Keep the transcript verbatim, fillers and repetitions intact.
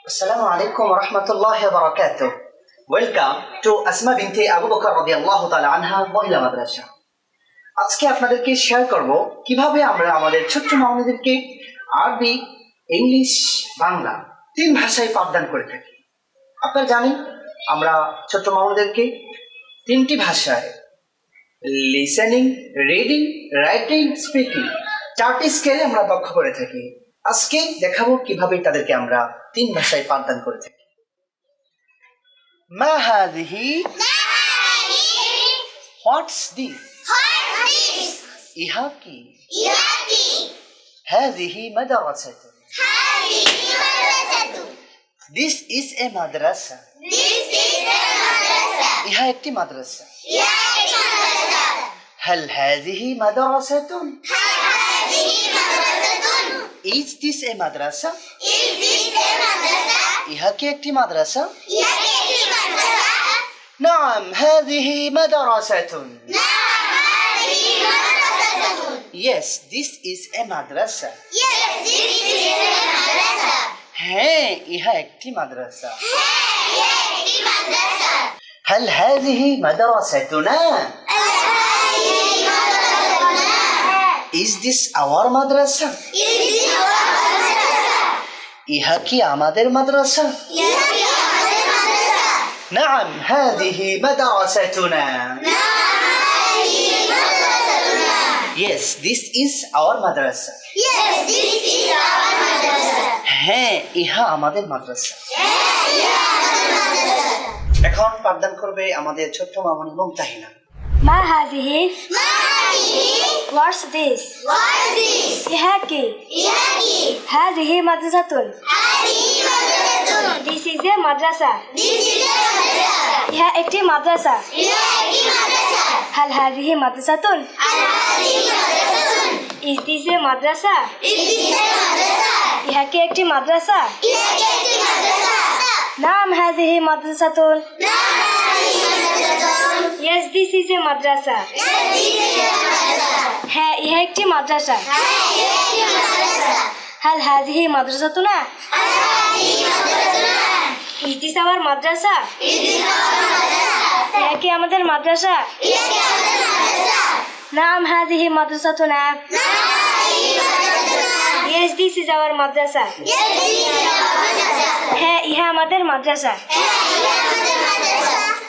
Assalamu alaikum wa rahmatullahi wa barakatuh. Welcome to Asma binti Abu Bakr radiyallahu ta'ala anha মহিলা মাদ্রাসা। আজকে আপনাদেরকে share করব কিভাবে আমরা আমাদের ছোট্ট মামুনিদেরকে আরবি, ইংলিশ, বাংলা তিন ভাষায় পাঠদান করে থাকি। আপনারা জানেন আমরা ছোট্ট মামুনিদেরকে তিনটি ভাষায় লিসেনিং, রিডিং, রাইটিং, স্পিকিং চারটি স্কেলে আমরা দক্ষ করে থাকি। আজকে দেখাবো কিভাবে তাদেরকে আমরা তিন ভাষায় পাঠদান করে থাকি। মা হাযিহি, হোয়াটস দিস, ইহা কি, হাযিহি মাদ্রাসাতুন, দিস ইজ এ মাদ্রাসা, ইহা একটি মাদ্রাসা। হাল হাযিহি মাদ্রাসাতুন, Is this a madrasa? Is this a madrasa? ইহা কি একটি মাদ্রাসা? ইহা কি একটি মাদ্রাসা? نعم هذه مدرسة. نعم هذه مدرسة. Yes, this is a madrasa. Yes, this is a madrasa. হ্যাঁ, ইহা একটি মাদ্রাসা। হ্যাঁ, ইহা একটি মাদ্রাসা। هل هذه مدرستنا? هذه مدرستنا. Is this our madrasa? Is this our madrasa? ইহা কি আমাদের মাদ্রাসা? ইহা কি আমাদের মাদ্রাসা? نعم هذه مدرستنا. نعم هذه مدرستنا. Yes, this is our madrasa. Yes, this is our madrasa. হ্যাঁ, ইহা আমাদের মাদ্রাসা। হ্যাঁ, ইহা আমাদের মাদ্রাসা। এখন পাঠদান করবে আমাদের ছোট্ট মামুনি মুমতাহিনা। ما هذه؟ ما هذه؟ What's this? What is this? ইহা কি? ইহা কি? هذه مدرسة. هذه مدرسة. This is a madrasa. This is a madrasa. ইহা একটি মাদ্রাসা। ইহা একটি মাদ্রাসা। هل هذه مدرسة؟ আর هذه مدرسة. Is this a madrasa? Is this a madrasa? ইহা কি একটি মাদ্রাসা? ইহা কি একটি মাদ্রাসা? নাম هذه مدرسة. না هذه مدرسة. Yes, this is a madrasa. Yes, this is a madrasa. হ্যাঁ, ইহা একটি মাদ্রাসা। হ্যাঁ, ইহা একটি মাদ্রাসা। هل هذه مدرستنا? আর هذه مدرسة. Is this our madrasa? Is this our madrasa? ইহা কি আমাদের মাদ্রাসা? ইহা কি আমাদের মাদ্রাসা? নাম هذه مدرستنا. না هذه مدرسة. Yes, this is our madrasa. Yes, this is our madrasa. হ্যাঁ, ইহা আমাদের মাদ্রাসা। হ্যাঁ, ইহা আমাদের মাদ্রাসা।